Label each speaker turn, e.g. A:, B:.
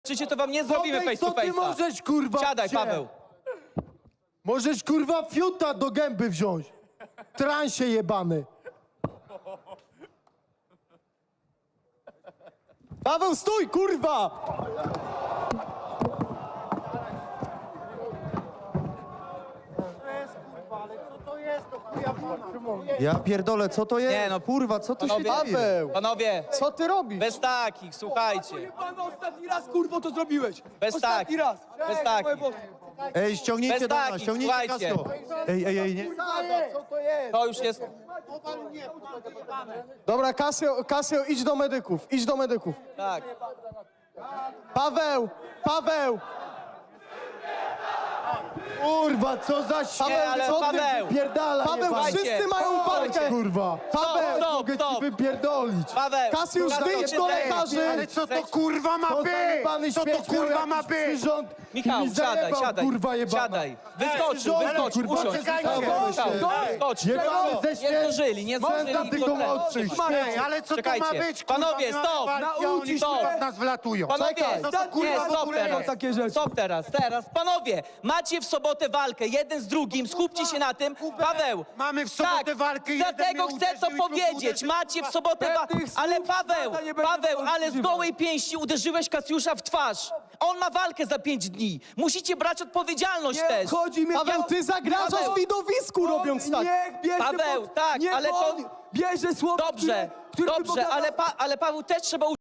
A: Czycie to wam nie zrobimy face to
B: Co ty
A: face'a.
B: możesz, kurwa,
A: Siadaj,
B: wziąć?
A: Paweł.
B: Możesz, kurwa, fiuta do gęby wziąć. Transie jebany. Paweł, stój, kurwa!
C: Ja pierdolę, co to jest?
A: Nie, no,
C: kurwa, co tu się
A: Panowie,
C: dzieje?
A: panowie,
B: Co ty robisz?
A: bez takich, słuchajcie.
D: Pan ostatni raz, kurwo, to zrobiłeś.
A: Bez
D: Ostatni
A: takich,
D: raz.
A: bez takich.
C: Ej, ściągnijcie
A: Bez
C: do nas,
A: takich,
C: ściągnijcie
A: słuchajcie.
C: Casio. Ej, nie.
A: To już jest...
B: Dobra, Kasio, idź do medyków, idź do medyków.
A: Tak.
B: Paweł! Kurwa, co za
A: ale
B: co ty
A: Paweł!
B: wypierdala,
A: Paweł,
B: jebany?
A: wszyscy
B: mają
A: walkę.
B: Kurwa! Paweł,
A: stop,
B: mogę
A: stop.
B: ci wypierdolić!
A: Paweł!
B: Kasiusz, wyjdź do lekarzy!
C: Ale co to kurwa ma
B: Co za jebany
C: być? Co to
B: śmieć miał
C: kurwa ma
B: jakiś
C: być?
B: przyrząd
A: Michał,
B: i mi
A: siadaj,
B: zajebał,
A: siadaj.
B: kurwa jebana.
A: Siadaj. Wyskocz,
B: kurwa,
A: usiądź.
C: poczekajcie.
A: Wyskocz.
B: Jebany ze
A: Nie
B: śmierci!
A: zdążyli, nie zdążyli.
B: Można tylko młodszych!
C: Ej, ale co to ma
A: Czekajcie.
C: być? Kurwa,
A: Panowie,
C: my mamy
A: stop!
C: walki, a oni
A: Nauczyć
C: kurwa
A: się.
C: w nas wlatują.
A: Panowie,
B: Czekaj.
A: nie, stop teraz.
D: takie rzeczy.
A: Stop teraz. Panowie, macie w sobotę walkę, jeden z drugim, skupcie się na tym. Paweł,
C: Mamy w sobotę
A: tak,
C: walkę, jeden
A: dlatego
C: mnie
A: chcę to
C: uderzył i drugi
A: powiedzieć.
C: uderzył.
A: Macie w sobotę walkę,
D: Pewnych
A: ale
D: słów
A: Paweł,
D: nie będę
A: ale z
D: używał.
A: gołej pięści uderzyłeś Kasiusza w twarz. On ma walkę za 5 dni. Musicie brać odpowiedzialność też.
D: Chodzi mi...
B: Paweł, ty zagrażasz
A: Paweł.
B: widowisku robiąc tak!
D: Niech bierze
A: Paweł, tak,
D: niech
A: ale to-
D: on bierze słowa,
A: Dobrze,
D: które
A: dobrze, ale Paweł też trzeba